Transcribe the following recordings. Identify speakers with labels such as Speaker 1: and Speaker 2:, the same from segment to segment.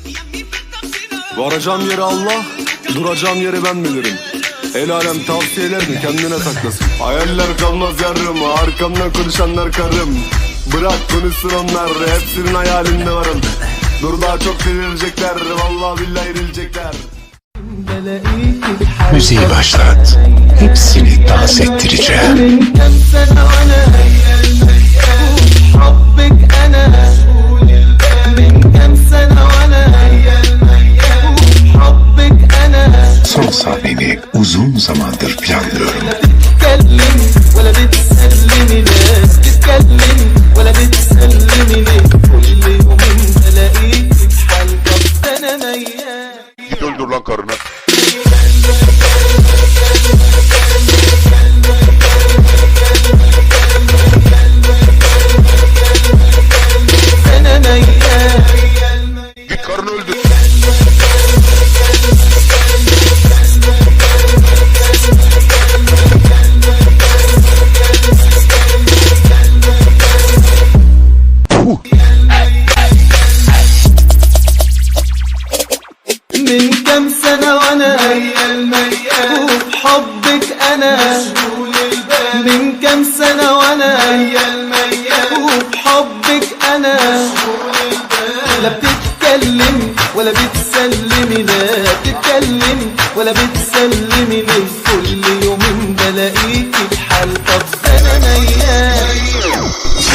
Speaker 1: Varacağım yeri Allah, duracağım yeri ben bilirim. El alem tavsiyelerini kendine saklasın. Hayaller kalmaz yarım, arkamdan konuşanlar karım. Bırak konuşsun onlar, hepsinin hayalinde varım. Dur daha çok delirecekler, vallahi billahi erilecekler.
Speaker 2: Müziği başlat. Hepsini dans ettireceğim. Son sahneni uzun zamandır planlıyorum.
Speaker 3: Git öldür lan karını. Git karını öldür.
Speaker 4: من كم سنة وانا وبحبك انا من كم سنة وانا وبحبك انا لا بتتكلم ولا بتسلمي لا بتتكلم ولا بتسلمي ليه كل يومين بلاقيكي بحال طب انا ميال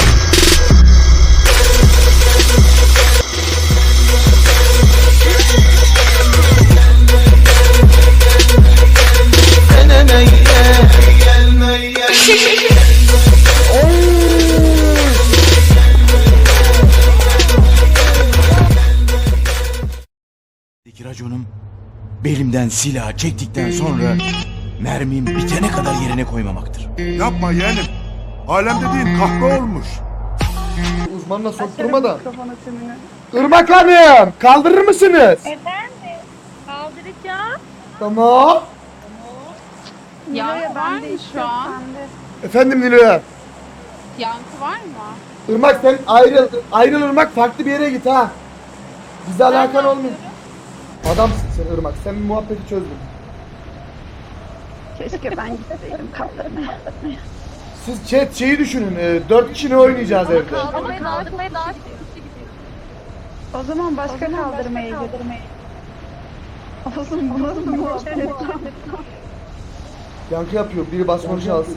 Speaker 5: Raconum belimden silah çektikten sonra mermim bitene kadar yerine koymamaktır.
Speaker 3: Yapma yeğenim. Alem dediğin kahve olmuş.
Speaker 6: Uzmanla sokturma da. Irmak Hanım, kaldırır mısınız?
Speaker 7: Efendim, kaldıracağım.
Speaker 6: Tamam.
Speaker 7: Yankı var mı şu an?
Speaker 6: Efendim Nilo'ya.
Speaker 7: Yankı var mı?
Speaker 6: Irmak sen ayrıl Irmak, farklı bir yere git ha. Bize alakan olmuyor. Adamsın sen Irmak, sen bir muhabbeti çözdün.
Speaker 7: Keşke ben gitseydim kaldırmaya.
Speaker 6: Siz chat şeyi düşünün, 4 kişi ne oynayacağız evde?
Speaker 7: Kaldırmaya daha kişi gidiyor. O zaman başka kaldırmaya gidelim. Olsun bu nasıl muhabbet?
Speaker 6: Yankı yapıyor, biri basmanı alsın.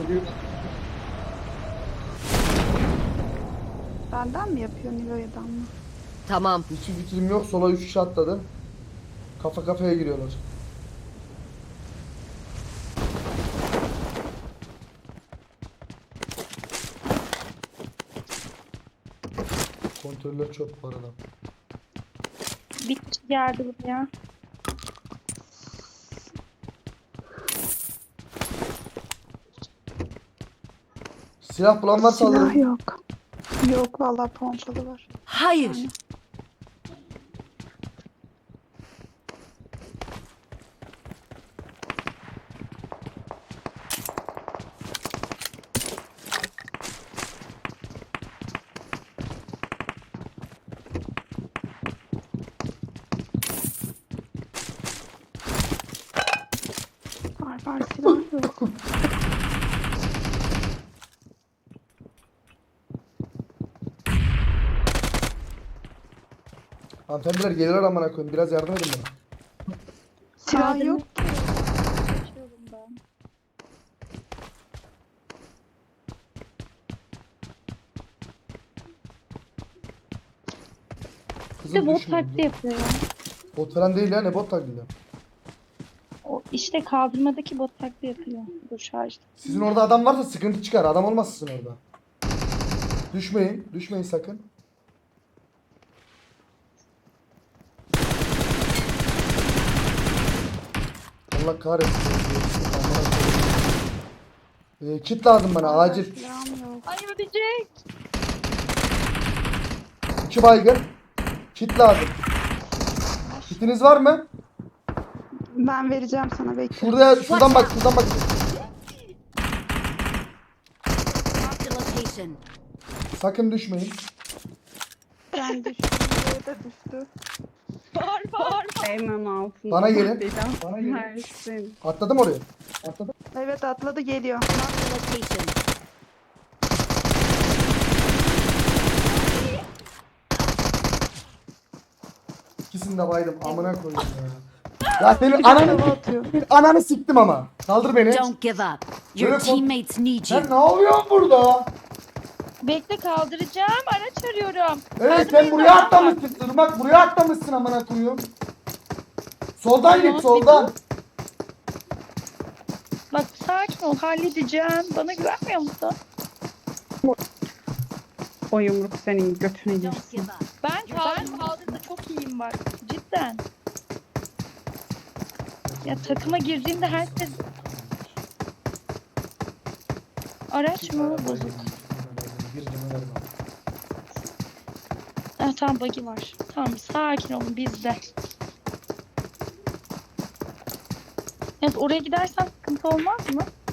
Speaker 7: Benden mi yapıyor Nilo'yadan mı?
Speaker 8: Tamam.
Speaker 6: Hiçbir fikrim yok, sola 3 kişi atladı. Kafa kafaya giriyorlar. Kontroller çok bu arada.
Speaker 7: Bir kişi geldi buraya.
Speaker 6: Silah bulan varsa alırım.
Speaker 7: Silah yok. Yok vallahi pompalı var.
Speaker 8: Hayır.
Speaker 7: Var silah yok.
Speaker 6: Hanımefendiler gelirler amına koyayım, biraz yardım edin bana.
Speaker 7: Silah yok.
Speaker 6: Kızım
Speaker 9: bot
Speaker 6: düşmeyin.
Speaker 9: taklidi yapıyor ya.
Speaker 6: Bot falan değil ya, ne bot taklidi?
Speaker 9: O işte kaldırmadaki bot taklidi yapıyor. Bu şarjda.
Speaker 6: Sizin orada adam varsa sıkıntı çıkar, adam olmaz sizin orada. Düşmeyin, düşmeyin sakın. Allah kahretsin. Kit lazım bana acil.
Speaker 7: Silahım yok.
Speaker 9: Ay ölecek.
Speaker 6: 2 baygın. Kit lazım. Kitiniz var mı?
Speaker 7: Ben vereceğim sana bekle.
Speaker 6: Şuradan bak, şuradan bak. Sakın düşmeyin.
Speaker 7: Ben düştüm. Buraya da düştü. Hemen altında.
Speaker 6: Bana gelin.
Speaker 7: Mersin.
Speaker 6: Atladım oraya. Atladım.
Speaker 7: Evet atladı geliyor.
Speaker 6: İkisini de baydım. Amına koyayım ya. Ya senin ananı siktim ama. Kaldır beni.
Speaker 8: Don't give up. Your
Speaker 6: Böyle
Speaker 8: teammates need you.
Speaker 6: Sen ne yapıyorsun burada?
Speaker 9: Bekle kaldıracağım. Araç arıyorum.
Speaker 6: Evet sen buraya atlamışsın. Irmak buraya atlamışsın amına koyayım. Soldan git soldan.
Speaker 9: Bak sakin ol halledeceğim. Bana güvenmiyor musun?
Speaker 7: O yumruk senin götüne
Speaker 8: Don't
Speaker 7: girsin.
Speaker 8: give up.
Speaker 9: Ben kaldırda çok iyiyim bak. Cidden. Ya takıma girdiğimde herkes... Araç mı? Bozuk.
Speaker 6: Bir canı ver bana.
Speaker 9: Tamam bug'i var. Tamam sakin olun bizde. Evet oraya gidersen sıkıntı olmaz mı?